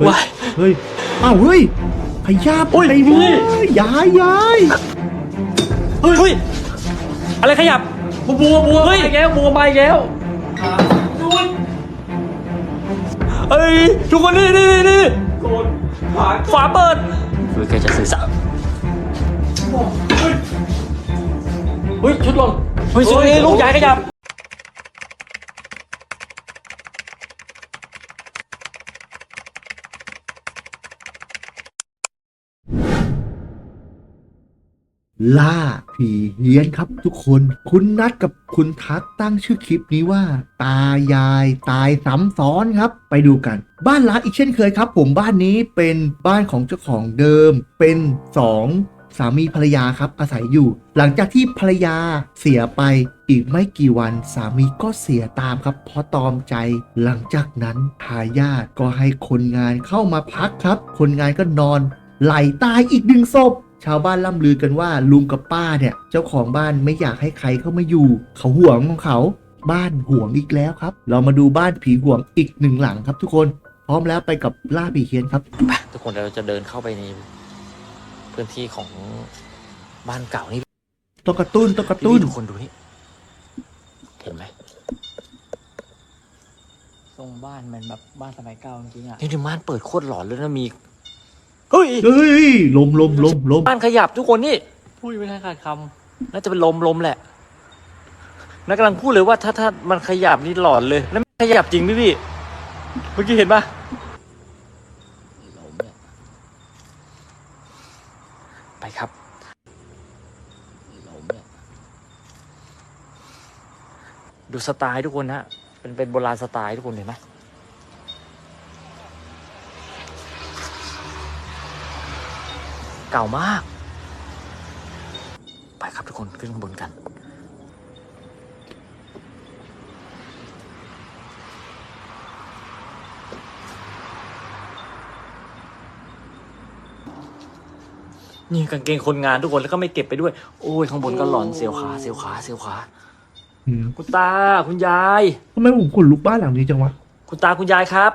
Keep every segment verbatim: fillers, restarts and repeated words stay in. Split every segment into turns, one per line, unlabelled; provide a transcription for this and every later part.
ฮ้ยเฮ้ยอ้าวเฮ้ยพยาไปดิย้ายย้าย
เฮ้ยอะไรขยับบัวบัวบัวเฮ้ยแก้วบัวมาอีกแล้วเฮ้ยทุกคนนี่นี่นี่ฝาเปิดเฮ้ยแกจะสื่อสารเฮ้ยชุดลงเฮ้ยชุดนี้ลูกใหญ่ขยับ
ล่าผีเฮี้ยนครับทุกคนคุณนัดกับคุณทักตั้งชื่อคลิปนี้ว่า ตายายตายซ้ำซ้อนครับไปดูกันบ้านล้างอีกเช่นเคยครับผมบ้านนี้เป็นบ้านของเจ้าของเดิมเป็นสองสามีภรรยาครับอาศัยอยู่ หลังจากที่ภรรยาเสียไปอีกไม่กี่วันสามีก็เสียตามครับเพราะตอมใจหลังจากนั้นทายาทก็ให้คนงานเข้ามาพักครับคนงานก็นอนไหลตายอีกหนึ่งศพชาวบ้านล่ำลือกันว่าลุงกับป้าเนี่ยเจ้าของบ้านไม่อยากให้ใครเข้ามาอยู่เขาห่วงของเขาบ้านห่วงอีกแล้วครับเรามาดูบ้านผีห่วงอีกหนึ่งหลังครับทุกคนพร้อมแล้วไปกับล่าผีเฮี้ยนครับ
ทุกคนเราจะเดินเข้าไปในพื้นที่ของบ้านเก่านี่
ต้องกระตุ้นต้องกระตุ้น
ทุกคนดูนี่เห็นไหม
ทรงบ้านมันแบบบ้านสมัยเก่าจริงๆอ่ะ
นี่ที่บ้านเปิดโคตรหลอนเลยนะมีเฮ้ย
เฮ้ยลมลมลมลม
บ้านขยับทุกคนนี่
พูดไม่ทันขาดค
น่าจะเป็นลมลมแหละนักกำลังพูดเลยว่าถ้าถ้ามันขยับนี่หลอนเลยแล้วขยับจริงพี่พี่เมื่อกี้เห็นปะลมเนี่ยไปครับลมเนี่ยดูสไตล์ทุกคนนะเป็นเป็นโบราณสไตล์ทุกคนเห็นไหมเก่ามากไปครับทุกคนขึ้นข้างบนกันนี่กางเกงคนงานทุกคนแล้วก็ไม่เก็บไปด้วยโอ้ยข้างบนก็หลอนเสียวขาเสียวขาเสียวขาคุณตาคุณยาย
ทำไมผมขนลุกบ้านหลังนี้จังวะ
คุณตาคุณยายครับ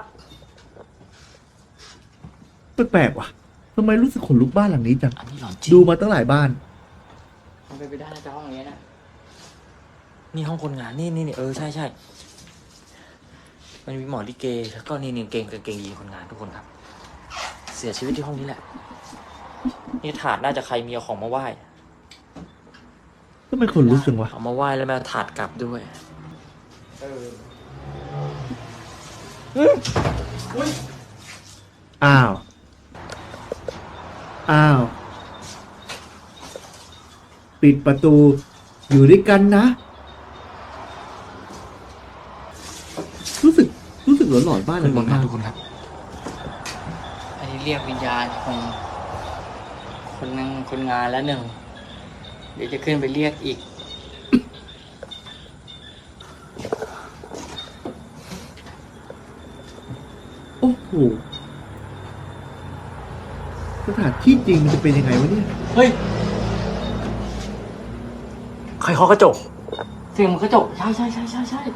แปลกๆว่ะทำไมรู้สึกขนลุกบ้านหลังนี้จัง
อันนี้หลอนจริง
ดูมาตั้งหลายบ้าน
มันเป็นไปได้นะจ๊ะห้องอย่างเงี้ยนะ
นี่ห้องคนงานนี่นี่นี่เออใช่ใช่มันมีหมอลิเกแล้วก็นี่นี่เกงกางเกงยีนคนงานทุกคนครับเสียชีวิตที่ห้องนี้แหละนี่ถาดน่าจะใครมีเอาของมาไหว้
ทำไมขนลุกจังวะ
เอามาไหว้แล้วแม่ถาดกลับด้วยเออ
อ้าวอ้าวปิดประตูอยู่ด้วยกันนะรู้สึกรู้สึกหลอนหลอนบ้านเลย
มากทุกคนครับ
อันนี้เรียกวิญญาณของคนนั่งคนงานแล้วหนึ่งเดี๋ยวจะขึ้นไปเรียกอีก
โอ้โหสถานที่จริงมันจะเป็นยังไงวะเนี่ย
เฮ้ยใครเคาะกระจก
เสียงมันกระจกใช่ใช่ใช่ใช่ใช่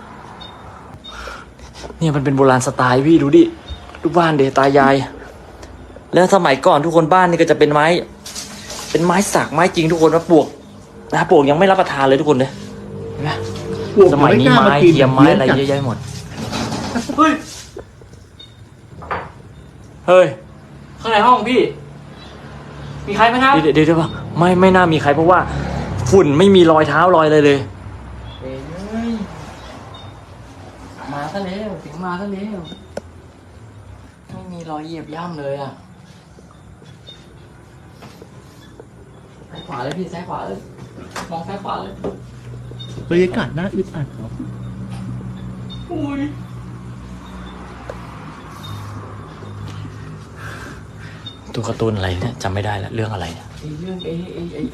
เนี่ยมันเป็นโบราณสไตล์พี่ดูดิดูบ้านเดตายายแล้วสมัยก่อนทุกคนบ้านนี่ก็จะเป็นไม้เป็นไม้สักไม้จริงทุกคนว่าปลวกนะปลวกยังไม่รับประทานเลยทุกคนเลยเห็นไหมสมัยนี้ไม้เทียมไม้อะไรเยอะแยะหมดเฮ้ยเฮ้ย
ข้างในห้องพี่มีใครไหมครับ
เดี๋ยวเดี๋ยวว่าไม่ไม่น่ามีใครเพราะว่าฝุ่นไม่มีรอยเท้ารอยอะไรเลย
เอ้ยมาซะแล้วถึงมาซะแล้วไม่มีรอยเหยียบย่ำเลยอ่ะซ้ายขวาเลยพี่ซ้ายขวาเลยมองซ้ายขวาเลย
บรรยากาศน่าอึดอัดเนาะ
อุ้ย
ตัวการ์ตูนอะไรเนี่ยจำไม่ได้แล้วเรื่องอะไรเนี่ย
เรื่องไอ้ไอ้ไอ้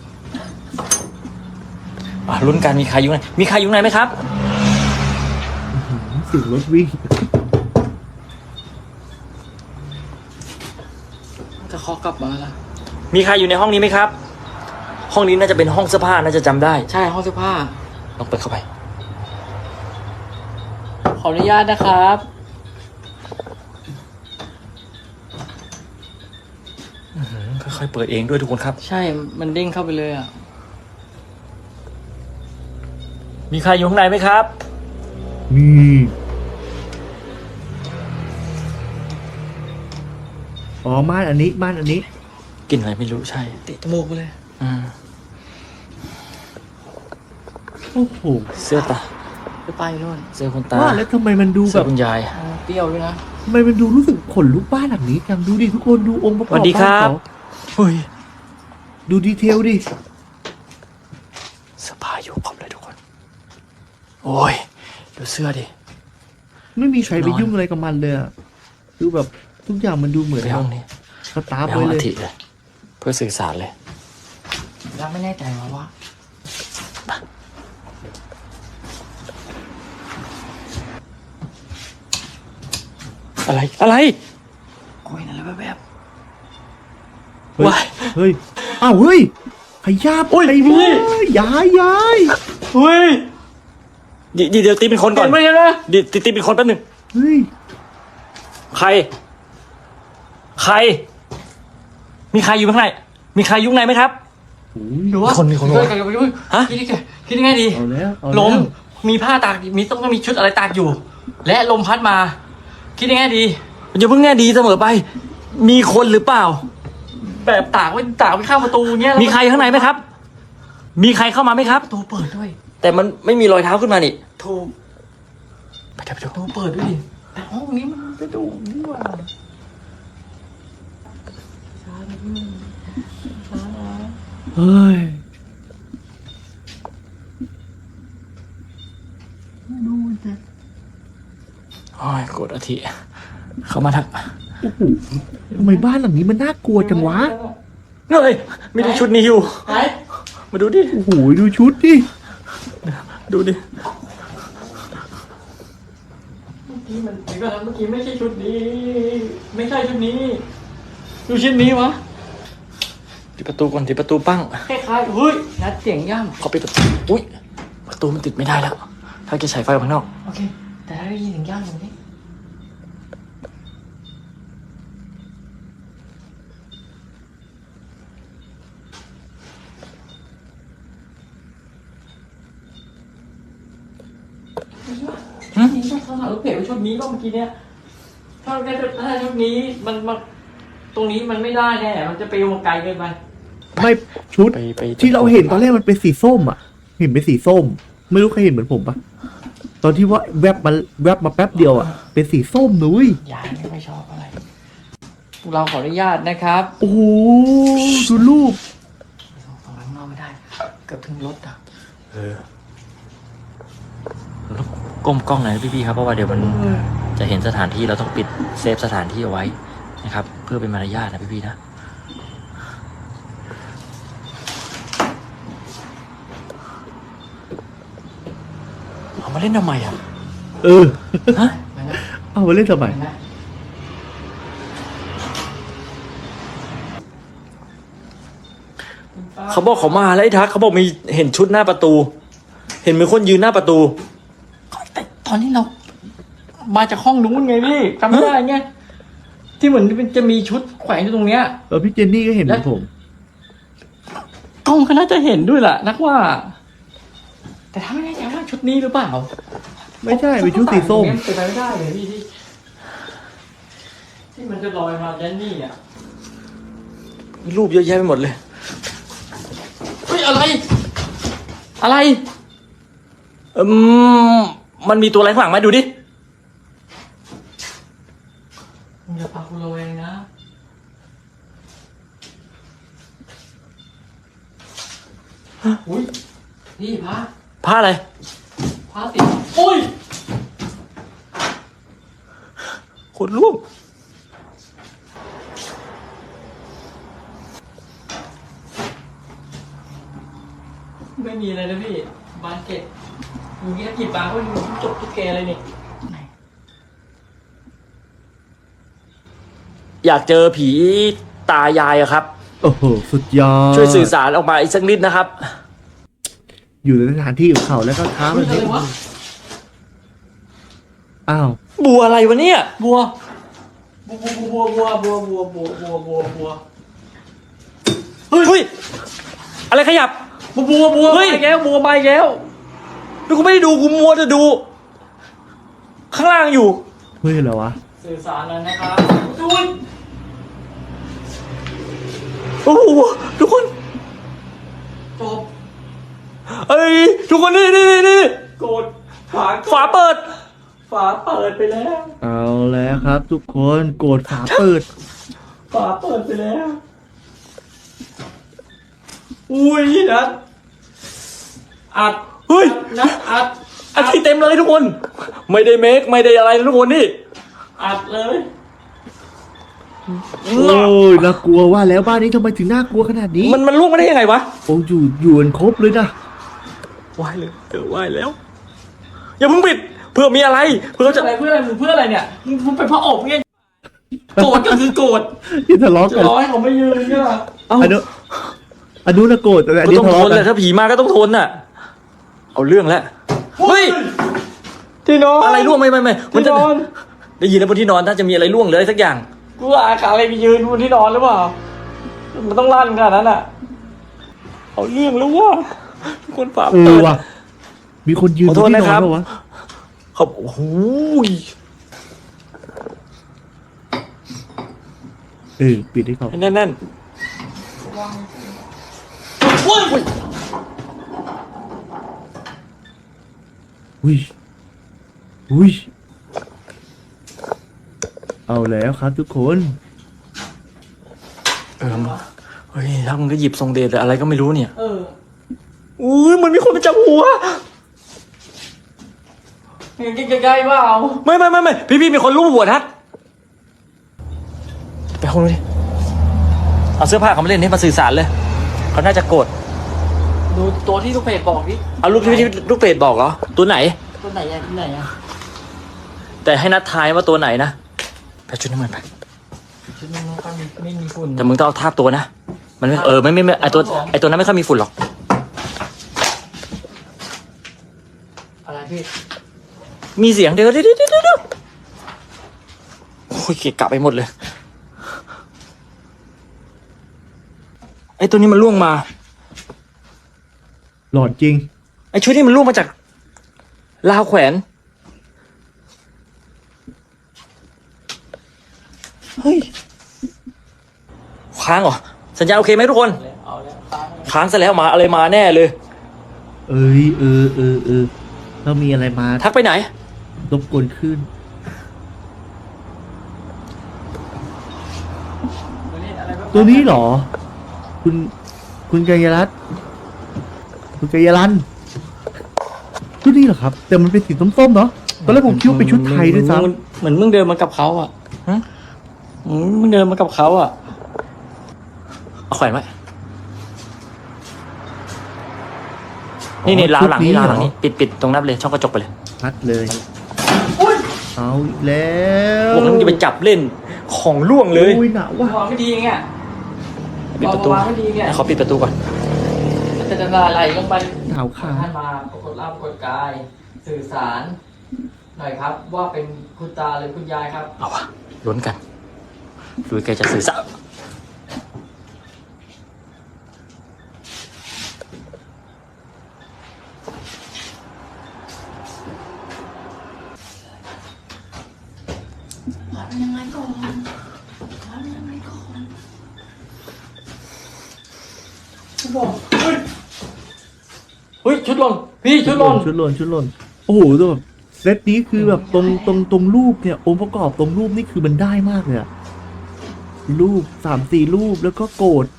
อ่ะลุ้นกันมีใครอยู่ไหนมีใครอยู่ไหนไหมครับ
เสียงรถวิ่ง
จะเคาะกลับมาแล้ว
มีใครอยู่ในห้องนี้ไหมครับห้องนี้น่าจะเป็นห้องเสื้อผ้าน่าจะจำได้
ใช่ห้องเสื้อผ้า
ลองเปิดเข้าไป
ขออนุญาตนะครับ
อื้อหือค่อยๆเปิดเองด้วยทุกคนครับ
ใช่ มันเด้งเข้าไปเลยอ่ะ
มีใครอยู่ข้างในไหมครับ
มีอ๋อม่านอันนี้ม่านอันนี้
กลิ่นอะไรไม่รู้ใช่
ติดจมูกไปเลย
อืม
โอ้โห
เสื้อตา
ไปไปนู่น
เสื้อคุณตา
ว่าแล้วทำไมมันดูแบ
เสื้อบ คุณยาย
อ่าเปรี้ยวด้วยนะ
ทำไมมันดูรู้สึกขนลุกบ้านหลังนี้จังดูดิทุกคนดูองค์ประก
ส
อบ
วัสดีค
บ้าน
รับ
เขา
เฮ้ย
ดูดีเทลดิ
เสื้อผ้าอยู่ครบเลยทุกคน โอ้ย ดูเสื้อดิ
ไม่มีใครไป
นอน
ยุ่งอะไรกับมันเลยอะคือแบบทุกอย่างมันดูเหมือน
ไปห้องนี้
สตาร์ฟ
ไปห้
ไว้
อง
เล
อาย ทิเลย เพื่อสื่อสารเลย
แล้วไม่แน่ใจว่าว่า
อะไร อะไร
โอ้ยนั่นแหละแบบ
เฮ้ย
ว้าย
เฮ้ยอ้าวเฮ้ยขยับ
โอ้ย
ไอ้
พี่
เว้ยย้ายย้าย
เฮ้ยเดี๋ยวเดี๋ยวตีเป็นคนก่อน
เห็นไหมเนี่ยนะ
เดี๋ยวตีตีเป็นคนแป๊บหนึง
เฮ้ย
ใคร ใคร มีใครอยู่ข้างใน มีใครอยุ่ข้างในไหมครับ
โอ้ย
หรือว่า
คนมีคน
มี
วะ
กันกับไปด้วย
ฮะ
คิดยังไงคิดยังไงดี
เอาแล้วเอา
ล
แล้ว
ม มีผ้าตาก มีต้องมีชุดอะไรตากอยู่ และลมพัดมา คิดยังไงดี
อย่าเพิ่งแน่ดีเสมอไป มีคนหรือเปล่า
แบบตากไว้ตากไว้ข้างประตูเนี้ยแล้ว
มีใครข้างในไหมครับ มีใครเข้ามาไหมครับ
ประตูเปิดด้วย
แต่มันไม่มีรอยเท้าขึ้นมานี่
ถูก
ไปเดี๋ยวไปดู
ประตูเปิดด้วยดิ แต่ห้องนี้มันกระดูกนี่หว่าช้าหน่อยพี่ช้านะ
เฮ้ย
ดูสิ
โอ้ยกดอาทิเข้ามาทัก
โอ้โหทำไมบ้านหลังนี้มันน่ากลัวจังวะ
เฮ้ยมีแต่ชุดนี้อยู่
หาย
มาดูดิ
โอ้โหดูชุดดิ
ดูดิ
เมื่อกี้มันเดี๋ยวก่อนนะเมื่อกี้ไม่ใช่ชุดนี้ ไม่ใช่ชุดนี้ ดูชุดนี้วะ
ปิดประตูก่อนปิดประตูปั้ง
คล้ายๆเฮ้ยนัดเสียงย่
เขาปิดประตู อุ้ย ประตูมันติดไม่ได้แล้ว ถ้าจะใช้ไฟออกข้างนอก
ำโอเค แต่ถ้าได้ยินเสียงย่ำอย่างนี้ชุดนี้ต้องเขาหาลูกเพจว่าชุดนี้ป่ะเมื่อกี้เนี้ยถ้าได้ถ้าชุดนี้มันมันตรงนี้มันไม่ได้แน่ มันจะไปวงไกลเกินไป
ไม่ชุด
ไปไป
ที่เราเห็นตอนแรกมันเป็นสีส้มอ่ะ เห็นเป็นสีส้ม ไม่รู้ใครเห็นเหมือนผมปะตอนที่ว่าแวบมาแวบมาแป๊บเดียวอ่ะ เป็นสีส้มนุ้ย
ยายไม่ค่อยชอบอะไรพวกเราขออนุญาตนะครับ
โอ้โหดูรูป
ส่งข้างนอกไม่ได้ เกือบถึงรถอ่ะ
เออแล้วก้มกล้องหน่อยนะพี่ๆครับ เพราะว่าเดี๋ยวมันจะเห็นสถานที่เราต้องปิดเซฟสถานที่เอาไว้นะครับ เพื่อเป็นมารยาทนะพี่ๆนะ เอามาเล่นทำไมอ่ะ
เออ
ฮะ
เห็นไหม
เอามาเล่นทำไม
เห็นไหม
เขาบอกเขามาแล้วไอ้ทักเขาบอกมีเห็นชุดหน้าประตู เห็นมีคนยืนหน้าประตู
แต่ตอนนี้เรา มาจากห้องนู้นไงพี่จำไม่ได้ไงที่เหมือนมันจะมีชุดแขวนอยู่ตรงเนี้ย
เออพี่เจนนี่ก็เห็นเหมือนผม
กล้องก็น่าจะเห็นด้วยแหละนักว่า แต่ถ้าไม่แน่ใจว่าชุดนี้หรือเปล่า
ไม่ใช่เป็นชุดสีส้ม
เป็นไปไม่ได้เลยพี่ที่ที่มันจะลอยมาแดนนี่อ่ะ
มีรูปเยอะแยะไปหมดเลย
เฮ้ยอะไร อะไร
อืมมันมีตัวอะไรข้างหลังไหมดูดิ
มึงอย่าพาคุณระแวงนะอุ้ยนี่พระ
ผ้าอะไร
พระติดโอ้ย
คนรูป
ไม่มีอะไรนะพี่บานเก็ตมึงแค่กี่ปากก็มึงจบทุกแกเลยนี่
อยากเจอผีตายายอะครับ
โอ้โหสุดยอด
ช่วยสื่อสารออกมาอีกสักนิดนะครับ
อยู่ในสถานที่ของเขาแล้วก็ท้า
เฮ้
มั
ย
น
อะไรวะ
อ้าว
บัวอะไรวะเนี่ย
บัว บัวบัวบัวบัวบัวบัวบัวบัวบัว
เฮ้ยอะไรขยับ
บัวบัวบัว
เฮ้
ไป
ย
แล้วบัวไปแล้ว
ดูกูไม่ได้ดูกูมัวจะดู ข้างล่างอยู่
เฮ้ยเหรอวะ
สื่อสารแล้วนะครับดู
โอ้โหทุกคน
จบ
เอ้ยทุกคนนี่นี่นี่
กดฝา
ฝาเปิด
ฝาเปิดไปแล้ว
เอาแล้วครับ ทุกคนโกรธฝาเปิด
ฝาเปิดไปแล้ว อุ้ยนัดอัด
เฮ้ย
นัดอัด
อันที่เต็มเลยทุกคน ไม่ได้เมคไม่ได้อะไรทุกคนนี่
อัดเลย
โอ้ยน่ากลัวว่าแล้วบ้านนี้ทำไมถึงน่ากลัวขนาดนี้
มันมันล่วงมาได้ยังไงวะ
โอ้อยู่อยู่กันครบเลยนะ
ไหวเลยเออไหวแล้ว อย่าเพิ่งปิดเพื่อมีอะไรเพื่อ
เพื่อ
จะ
อะไรเพื่ออะไรมึงเพื่ออะไรเนี่ยมึงมึงเป็นพระอบไงโกรธก็คือโกรธ
ที่ทะเลาะ
จะ
กัน
ร้อยเขาไม่ยืนเนี่ย
เอ้า
อันนู้นอันนู้นนะโกรธแต่อัน
ก็
นี้
ต้อง
ทะ
ท
เลาะ
น
กั
แหละ
น
ถ้าผีมาก็ต้องทนน่ะ เอาเรื่องแล้วเฮ้ย
ที่นอน
อะไรล่วงไม่ไม่ไม่มัน
ที่
จะ
นอน
ได้ยินนะบนที่นอนถ้าจะมีอะไรล่วงหรืออะไรสักอย่าง
กูว่าอาการอะไรไปยืนบนที่นอนหรือเปล่ามันต้องลั่นขนาดนั้นอ่ะเอาเรื่องแล้วว่าทุกคนฝา
เอ
เปิ
อ
ด
ว่ะมีคนยืน
ขอโทษ
ที่น
นะ
อ
ครั
น
บ
ปะวะ
เขาโอ้โห
เออปิดให้เขา
แน่นแน่น
อุ้ยอุ้ยเอาแล้วครับทุกคน
เออเฮ้ยถ้ามึงก็หยิบทรงเดชหรืออะไรก็ไม่รู้เนี่ย
เออ
อุ้ยมันมีคนมาจับหัว
ใกล้ๆเปล่า
ไม่ไม่ไม่ไม่พี่พี่มีคนรูปหัวทัดไปห้องนู้นดิเอาเสื้อผ้าเขามาเล่นนี่มาสื่อสารเลยเขาน่าจะโกรธ
ดูตัวที่ลูกเพจบอกดิ
เอารูปที่ที่ลูกเป็ดบอกเหรอตัวไหน
ตัวไหนอะที่ไหนอะ
แต่ให้นัดทายว่าตัวไหนนะไปชุดน้ำมันไป
ชุดนี้มันก็มีไม่มีฝุ่น
แต่มึงต้องเอาทาบตัวนะมันไม่เออไม่ไม่ไม่ไอตัวไอตัวนั้นไม่ค่อยมีฝุ่นหรอก
อะไรพี่
มีเสียงเดี๋ยวเดี๋ยวเดี๋ยวเดี๋ยวเดี๋ยวโอ้ยเกะกะไปหมดเลยไอตัวนี้มันล่วงมา
หลอนจริง
ไอชุดนี้มันล่วงมาจากราวแขวนเฮ้ยค้างเหรอสัญญาณโอเคไหมทุกคน
เอาแล้วค้าง
ค้างซะแล้วมาอะไรมาแน่เลย
เอ้ยเออเออเออเรามีอะไรมา
ทักไปไหน
รบกวนขึ้น ตัวนี้เหรอ คุณคุณกัยรัตน์คุณกัยรันตัวนี้เหรอครับ แต่มันเป็นสีส้มๆเนาะตอนแรกผมคิดว่าเป็นชุดไทยด้วยซ้
เหมือนมึงเดินมากับเขาอ่ะ
ฮะ
อืมมึงเดินมากับเขาอ่ะ
เอาแขวนไว้นี่นี่ราวหลังนี่ราวหลังนี่ปิดปิดตรงนั้นเลยช่องกระจกไปเลย
ำพัดเลย เอาอีกแล้ว
พวกนั้นมึงจะไปจับเล่นของล่วงเลย
อุ้ยหนาวว่ะ
วางไม่ดีไง
ปิดประตู
วางไม่ดีไง
ขอปิดประตูก่อน
มันจะละลายลงไป
หนาวขา
ท่านมาปรากฏร่างปรากฏกาย สื่อสารหน่อยครับ ว่าเป็นคุณตาหรือคุณยายครับ
เอาวะลุ้นกันดูแกจะสื่อสาร
เฮ้ยชุดหล่นพี่ชุดหล่น
ชุดหล่นชุดหล่นโอ้โหแต่แบบเซตนี้คือแบบตรงตรงตรงรูปเนี่ยองค์ประกอบตรงรูปนี่คือมันได้มากเลยอะรูปสามสี่รูปแล้วก็โกรธ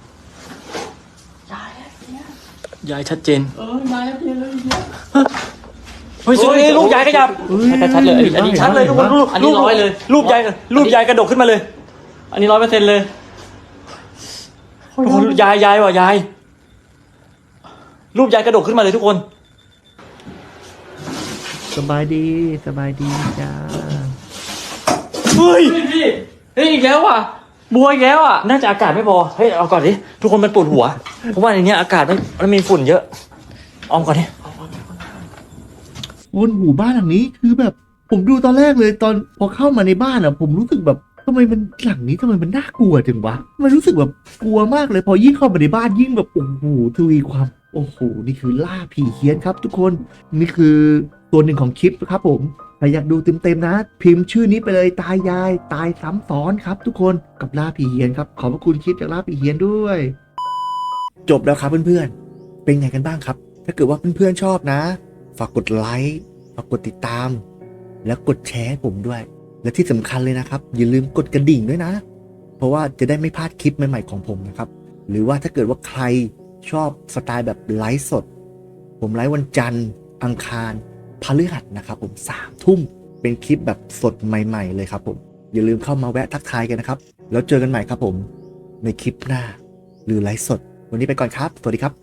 ยายชัดเจน
เออมาแล้วพี่เลยพี่
เฮ้ย
เฮ้ย
ลูกยายขยับ
เฮ้ย
ชัดๆเลยอันนี้
ชัดเลยทุกคนรูป
อันนี้ร้อยเลย
รูปยายรูปยายกระดกขึ้นมาเลย
อันนี้ร้อยเปอร์เซ็นต์เลย
ทุกคนยายยายว่ะยายรูปยายกระดกขึ้นมาเลยทุกคน
สบายดีสบายดีจ้า
เฮ้ย
เฮ้ยพี่เฮ้ยอีกแล้วอ่ะบัวอีกแล้วอ่ะ
น่าจะอากาศไม่พอเฮ้ยเอาก่อนดิทุกคนมันปวดหัวเพราะว่าในเนี้ยอากาศมันมันมีฝุ่นเยอะออมก่อนดิ
บนหูบ้านหลังนี้คือแบบ ผมดูตอนแรกเลยตอนพอเข้ามาในบ้านอ่ะ ผมรู้สึกแบบทำไมมันหลังนี้ทำไมมันน่ากลัวจังวะมันรู้สึกแบบกลัวมากเลยพอยิ่งเข้ามาในบ้านยิ่งแบบโอ้โหทวีความโอ้โหนี่คือล่าผีเฮี้ยนครับทุกคนนี่คือตัวหนึ่งของคลิปนะครับผมถ้าอยากดูเต็มๆนะ พิมพ์ชื่อนี้ไปเลยตายายตายซ้ำซ้อนครับทุกคนกับล่าผีเฮี้ยนครับขอบพระคุณคลิปจากล่าผีเฮี้ยนด้วย จบแล้วครับเพื่อนๆเป็นไงกันบ้างครับ ถ้าเกิดว่าเพื่อนๆชอบนะ ฝากกดไลค์ฝากกดติดตาม แล้วกดแชร์ให้ผมด้วย และที่สำคัญเลยนะครับ อย่าลืมกดกระดิ่งด้วยนะ เพราะว่าจะได้ไม่พลาดคลิปใหม่ๆของผมนะครับ หรือว่าถ้าเกิดว่าใครชอบสไตล์แบบไลฟ์สด ผมไลฟ์วันจันทร์อังคารพฤหัสนะครับผมสามทุ่มเป็นคลิปแบบสดใหม่ๆเลยครับผมอย่าลืมเข้ามาแวะทักทายกันนะครับแล้วเจอกันใหม่ครับผมในคลิปหน้าหรือไลฟ์สดวันนี้ไปก่อนครับสวัสดีครับ